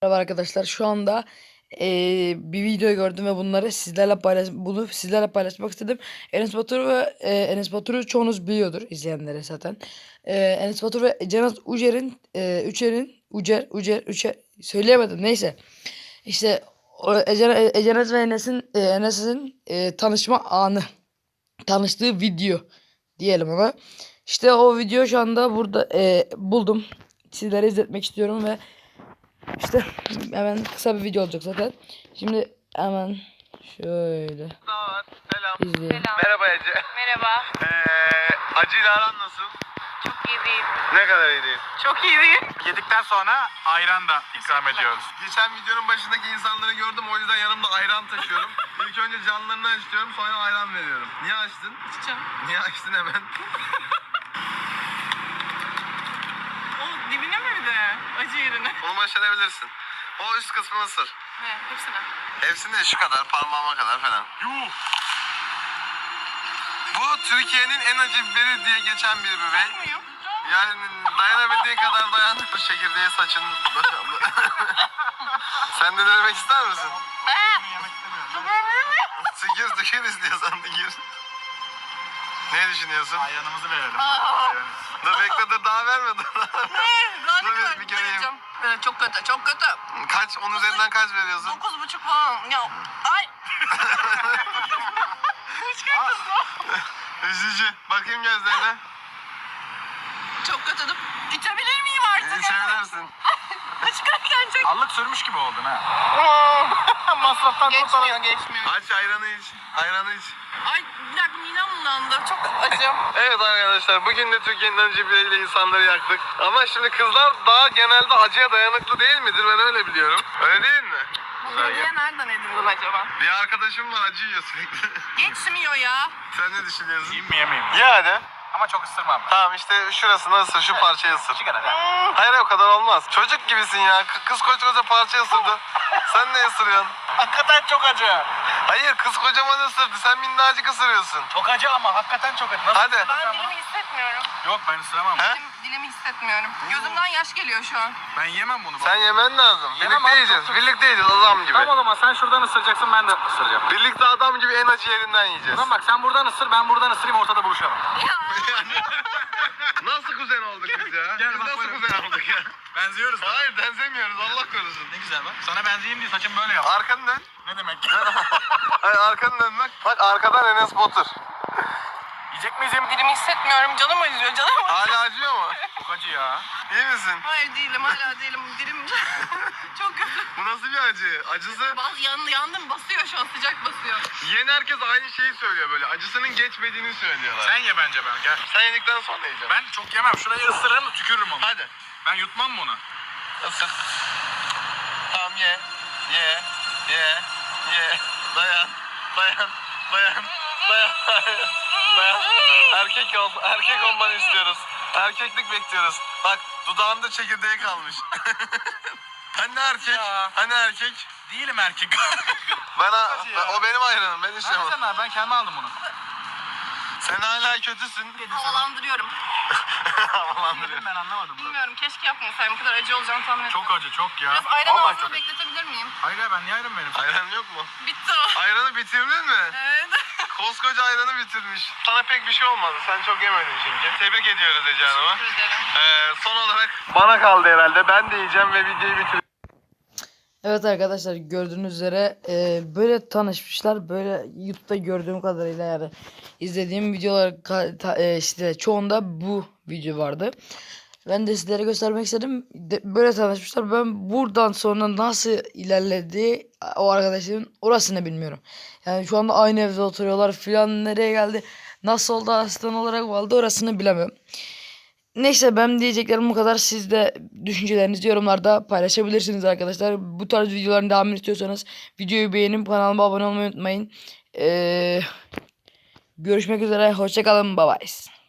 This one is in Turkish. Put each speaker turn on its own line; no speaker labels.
Merhaba arkadaşlar. Şu anda bir video gördüm ve bunu sizlerle paylaşmak istedim. Enes Batur ve Enes Batur'u çoğunuz biliyordur, izleyenlere zaten. Enes Batur ve Cenaz Ucer söyleyemedim, neyse. İşte Cenaz ve Enes'in tanışma anı, tanıştığı video diyelim ona. İşte o video şu anda burada buldum. Sizlere izletmek istiyorum ve İşte hemen kısa bir video olacak zaten. Şimdi hemen şöyle
Selam.
izleyelim.
Merhaba Ece.
Merhaba.
Acıyla aran nasıl?
Çok iyi değil.
Ne kadar iyi değil?
Çok iyi değil.
Yedikten sonra ayran da ikram ediyoruz.
Geçen videonun başındaki insanları gördüm, o yüzden yanımda ayran taşıyorum. İlk önce canlarını açıyorum, sonra ayran veriyorum. Niye açtın?
İçeceğim.
Niye açtın hemen?
O dibine mi bir de? Acı yerine.
Onu başarabilirsin. O üst kısmını ısır.
Ne? Hepsine.
Hepsini de şu kadar, parmağıma kadar falan.
Yuh!
Bu Türkiye'nin en acı biberi diye geçen bir biberi.
Muyum?
Yani dayanabildiğin kadar dayan. Bu çekirdeği saçın. Sen de denemek ister misin?
Yemek istemiyorum.
Tıkır istiyorsan tıkır. Ne düşünüyorsun?
Ayranımızı verelim.
Dur bekle, dur daha verme.
Daha
Dur
ne kadar
bir göreyim.
vereceğim? Çok kötü, çok kötü.
Kaç? 10 üzerinden kaç veriyorsun?
9,5 falan. Ya. Ay.
Üzücü. Bakayım gözlerine.
Çok kötü. İçebilir miyim artık?
İçebilirsin.
Çıkarken çok...
Allık sürmüş gibi oldun ha.
Masraftan geçmiyor.
Aç ayranı iç. Ayranı iç.
Ay bir dakika midem bulandı. Çok acım.
Evet arkadaşlar, bugün de Türkiye'nin acı biberiyle insanları yaktık. Ama şimdi kızlar daha genelde acıya dayanıklı değil midir? Ben öyle biliyorum. Öyle değil mi?
Bu hediye nereden edindin acaba?
Bir arkadaşım var, acı yiyor sürekli.
Geçmiyor ya.
Sen ne düşünüyorsun?
Yiyeyim mi yemeyeyim mi?
Ye hadi.
Ama çok ısırmam ben.
Tamam işte şurasını ısır, şu parçayı ısır.
Şu kadar ha.
Hayır o kadar olmaz. Çocuk gibisin ya. Kız koca parça ısırdı. Sen ne ısırıyorsun?
Hakikaten çok acı.
Hayır, kız kocaman ısırdı. Sen minnacık ısırıyorsun.
Çok acı ama hakikaten çok acı. Nasıl
Hadi.
Ben dilimi hissetmiyorum.
Yok ben ısıramam.
He?
Dilimi hissetmiyorum. Gözümden yaş geliyor şu an.
Ben yemem bunu.
Sen yemen lazım.
Yemem
Birlikte
abi,
yiyeceğiz.
çok-
Birlikte yiyeceğiz adam gibi.
Tamam o zaman sen şuradan ısıracaksın ben de ısıracağım.
Birlikte adam gibi en acı yerinden yiyeceğiz.
Tamam bak sen buradan ısır ben buradan ısırayım ortada buluşalım.
Nasıl kuzen olduk biz ya?
Gel
Biz
bak
nasıl
böyle.
kuzen olduk ya?
Benziyoruz.
Hayır, benzemiyoruz, Allah korusun.
Ne güzel bak. Sana benzeyeyim diye saçım böyle yap.
Arkanı dön.
Ne demek?
Hayır, arkanı dön bak. Bak arkadan Enes Batur.
Yiyecek miyiz yem?
Dilimi hissetmiyorum. Canım acıyor. Canım acıyor.
Hala acıyor mu?
Çok acı ya.
İyi misin?
Hayır değilim. Hala değilim. Dilim çok kötü.
Bu nasıl bir acı? Acısı...
Yandım. Basıyor şu an. Sıcak basıyor.
Yiyen herkes aynı şeyi söylüyor böyle. Acısının geçmediğini söylüyorlar.
Sen ye bence ben gel.
Sen yedikten sonra yiyeceğim.
Ben çok yemem. Şurayı ısırırım tükürürüm onu.
Hadi.
Ben yutmam mı onu?
Isır. Tamam ye. Ye. Ye. Ye. Dayan. Dayan. Dayan. Dayan. Dayan. Erkek ol. Erkek olmanı istiyoruz. Erkeklik bekliyoruz. Bak dudağında çekirdeği kalmış. Hani erkek?
Ya.
Hani erkek?
Değilim erkek.
O benim ayranım. Ben içemem.
Sen abi ben kendime aldım bunu.
Sen hala kötüsün.
Havalandırıyorum.
Havalandırıyor.
Ben anlamadım bunu.
Bilmiyorum. Keşke yapmasaydım. Bu kadar acı olacağını tahmin etmedim.
Çok acı çok ya.
Biraz ayran
Vallahi
ağzına
çok acı.
bekletebilir miyim?
Hayır ya ben niye ayran veririm?
Ayran yok mu?
Bitti o.
Ayranı bitirdin mi?
Evet.
Koskoca ayranı bitirmiş. Sana pek bir şey olmadı. Sen çok yemedin çünkü. Tebrik ediyoruz Ece Hanım'a.
Teşekkür ederim.
Son olarak bana kaldı herhalde. Ben de yiyeceğim ve videoyu bitireceğim.
Evet arkadaşlar, gördüğünüz üzere böyle tanışmışlar. Böyle YouTube'da gördüğüm kadarıyla, yani izlediğim videolar işte çoğunda bu video vardı. Ben de sizlere göstermek istedim. Böyle tanışmışlar. Ben buradan sonra nasıl ilerledi o arkadaşların, orasını bilmiyorum. Yani şu anda aynı evde oturuyorlar filan, nereye geldi, nasıl oldu, asistan olarak oldu, orasını bilemiyorum. Neyse, ben diyeceklerim bu kadar. Siz de düşüncelerinizi yorumlarda paylaşabilirsiniz arkadaşlar. Bu tarz videoların devamını istiyorsanız videoyu beğenip kanalıma abone olmayı unutmayın. Görüşmek üzere. Hoşça kalın. Bye bye.